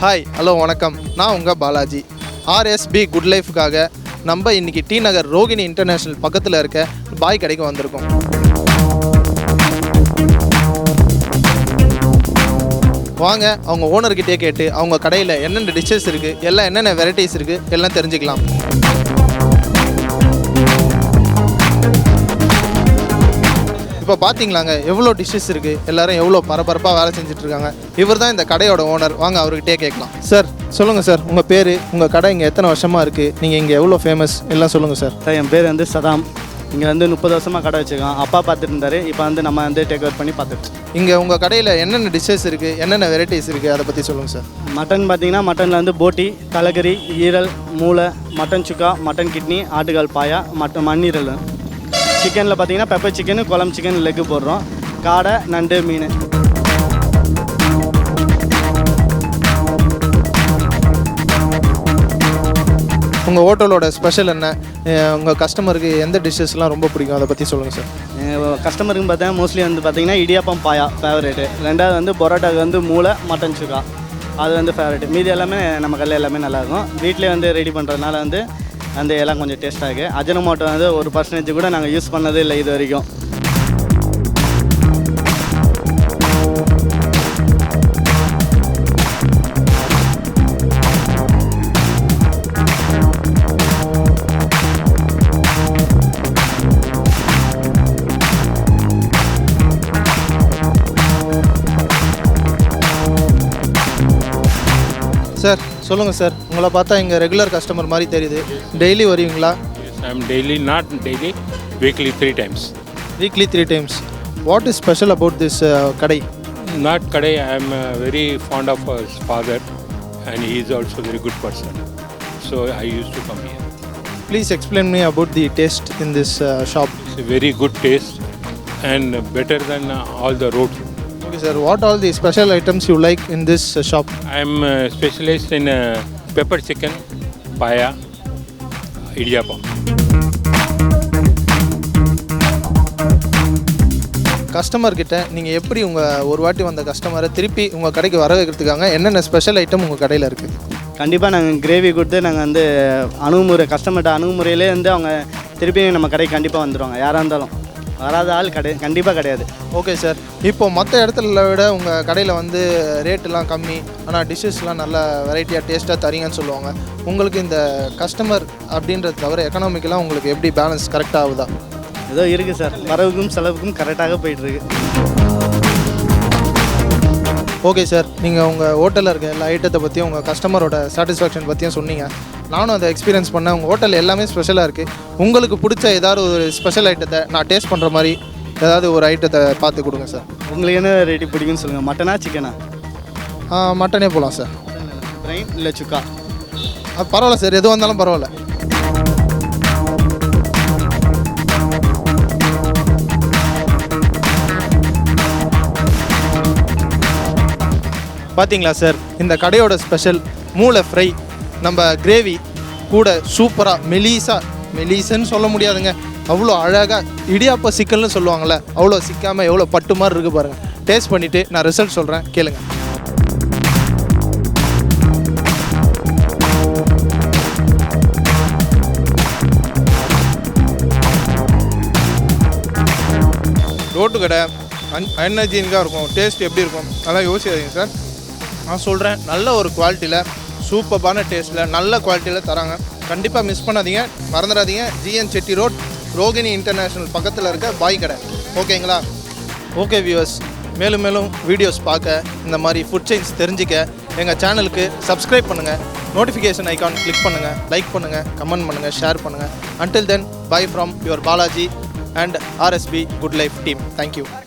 Hi hello வணக்கம். நான் உங்கள் பாலாஜி. ஆர்எஸ்பி குட் லைஃப்காக நம்ம இன்றைக்கி டி நகர் ரோகிணி இன்டர்நேஷ்னல் பக்கத்தில் இருக்க பாய் கடைக்கு வந்திருக்கோம். வாங்க அவங்க ஓனர்கிட்டே கேட்டு அவங்க கடையில் என்னென்ன டிஷ்ஷஸ் இருக்குது, எல்லாம் என்னென்ன வெரைட்டிஸ் இருக்குது எல்லாம் தெரிஞ்சுக்கலாம். இப்போ பார்த்தீங்களாங்க எவ்வளோ டிஷ்ஷஸ் இருக்குது, எல்லோரும் எவ்வளோ பரபரப்பாக வேலை செஞ்சுட்ருக்காங்க. இவர் தான் இந்த கடையோட ஓனர். வாங்க அவர்கிட்டே கேட்கலாம். சார் சொல்லுங்கள் சார், உங்கள் பேர், உங்கள் கடை இங்கே எத்தனை வருஷமாக இருக்குது, நீங்கள் இங்கே எவ்வளோ ஃபேமஸ் எல்லாம் சொல்லுங்கள் சார். என் பேர் சதாம். இங்கே 30 வருஷமாக கடை வச்சுருக்கோம். அப்பா பார்த்துட்டு இருந்தார். இப்போ நம்ம டேக் ஓவர் பண்ணி பார்த்துட்டு. இங்கே உங்கள் கடையில் என்னென்ன டிஷ்ஷஸ் இருக்குது, என்னென்ன வெரைட்டிஸ் இருக்குது, அதை பற்றி சொல்லுங்கள் சார். மட்டன் பார்த்தீங்கன்னா மட்டனில் போட்டி, தலைக்கறி, ஈரல், மூளை, மட்டன் சுக்கா, மட்டன் கிட்னி, ஆட்டுக்கால் பாயா, மண்ணீரல். சிக்கனில் பார்த்தீங்கன்னா பெப்பர் சிக்கனு, குழம்பு சிக்கன், லெக்கு போடுறோம். காடை, நண்டு, மீன். உங்கள் ஹோட்டலோட ஸ்பெஷல் என்ன, உங்கள் கஸ்டமருக்கு எந்த டிஷ்ஷஸ்லாம் ரொம்ப பிடிக்கும், அதை பற்றி சொல்லுங்கள் சார். கஸ்டமருக்கு பார்த்தீங்கன்னா மோஸ்ட்லி பார்த்தீங்கன்னா இடியாப்பம் பாயா ஃபேவரேட்டு. ரெண்டாவது பரோட்டாவுக்கு மூளை, மட்டன் சுக்கா அது ஃபேவரேட்டு. மீதி எல்லாமே நம்ம கல்லில் எல்லாமே நல்லாயிருக்கும். வீட்டிலே ரெடி பண்ணுறதுனால எல்லாம் கொஞ்சம் டேஸ்ட்டாக இருக்குது. அஜினோமோட்டோ 1% கூட நாங்கள் யூஸ் பண்ணதே இல்லை இது வரைக்கும். சார் சொல்லுங்கள் சார், உங்களை பார்த்தா இங்கே ரெகுலர் கஸ்டமர் மாதிரி தெரியுது. டெய்லி வருவீங்களா? I am daily, not daily, weekly 3 times. Weekly 3 times. What is special about this kadai? Not kadai, I am very fond of his father and he is also a very good person. So I used to come here. Please explain me about the taste in this shop. It's a very good taste and better than all the road. Okay sir, what all the special items you like in this shop? I am specialized in pepper chicken, paya, idiyappam. கஸ்டமர்கிட்ட நீங்கள் எப்படி ஒரு வாட்டி வந்த கஸ்டமரை திருப்பி உங்கள் கடைக்கு வர வைக்கிறதுக்காக என்னென்ன ஸ்பெஷல் ஐட்டம் உங்கள் கடையில் இருக்குது? கண்டிப்பாக நாங்கள் கிரேவி கொடுத்து நாங்கள் கஸ்டமர்கிட்ட அணுகுமுறையிலே அவங்க திருப்பி நம்ம கடைக்கு கண்டிப்பாக வந்துடுவாங்க. யாராக இருந்தாலும் வராத ஆள் கண்டிப்பாக கிடையாது. ஓகே சார், இப்போது மற்ற இடத்துல விட உங்கள் கடையில் ரேட்டெலாம் கம்மி, ஆனால் டிஷ்ஷஸ்லாம் நல்ல வெரைட்டியாக டேஸ்ட்டாக தரீங்கன்னு சொல்லுவாங்க. உங்களுக்கு இந்த கஸ்டமர் அப்படின்றது தவிர எக்கனாமிக்கெலாம் உங்களுக்கு எப்படி பேலன்ஸ் கரெக்டாக ஆகுதா? ஏதோ இருக்குது சார், வரவுக்கும் செலவுக்கும் கரெக்டாக போயிட்டுருக்கு. ஓகே சார், நீங்கள் உங்கள் ஹோட்டலில் இருக்க எல்லா ஐட்டத்தை பற்றியும் உங்கள் கஸ்டமரோட சாட்டிஸ்ஃபேக்ஷன் பற்றியும் சொன்னீங்க. நானும் அதை எக்ஸ்பீரியன்ஸ் பண்ணேன். உங்கள் ஹோட்டல் எல்லாமே ஸ்பெஷலாக இருக்குது. உங்களுக்கு பிடிச்ச ஏதாவது ஒரு ஸ்பெஷல் ஐட்டத்தை நான் டேஸ்ட் பண்ணுற மாதிரி ஏதாவது ஒரு ஐட்டத்தை பார்த்து கொடுங்க சார். உங்களுக்கு என்ன ரேட்டு பிடிக்குன்னு சொல்லுங்கள். மட்டனா சிக்கனா? மட்டனே போகலாம் சார். பிரைன் இல்லை சுக்கா? பரவாயில்ல சார், எது வந்தாலும் பரவாயில்ல. பார்த்தீங்களா சார், இந்த கடையோட ஸ்பெஷல் மூளை ஃப்ரை, நம்ம கிரேவி கூட சூப்பராக மெலிசன்னு சொல்ல முடியாதுங்க, அவ்வளோ அழகாக இடியாப்ப சிக்கல்னு சொல்லுவாங்கள்ல, அவ்வளோ சிக்காமல் எவ்வளோ பட்டு மாதிரி இருக்குது பாருங்கள். டேஸ்ட் பண்ணிவிட்டு நான் ரிசல்ட் சொல்கிறேன், கேளுங்க. ரோட்டு கடை அன்ஹைஜீனிக்காக இருக்கும். டேஸ்ட் எப்படி இருக்கும் அதெல்லாம் யோசிக்காதீங்க சார். நான் சொல்கிறேன், நல்ல ஒரு குவாலிட்டியில் சூப்பரான டேஸ்ட்டில் நல்ல குவாலிட்டியில் தராங்க. கண்டிப்பாக மிஸ் பண்ணாதீங்க, மறந்துடாதீங்க. GN Chetty road, Rohini international பக்கத்தில் இருக்க பாய் கடை. ஓகேங்களா? ஓகே வியூவர்ஸ், மேலும் மேலும் வீடியோஸ் பார்க்க, இந்த மாதிரி ஃபுட் செயின்ஸ் தெரிஞ்சிக்க எங்கள் சேனலுக்கு சப்ஸ்கிரைப் பண்ணுங்கள், நோட்டிஃபிகேஷன் ஐக்கான் கிளிக் பண்ணுங்கள், லைக் பண்ணுங்கள், கமெண்ட் பண்ணுங்கள், ஷேர் பண்ணுங்கள். Until then, bye from your Balaji and RSB Good Life team. Thank you.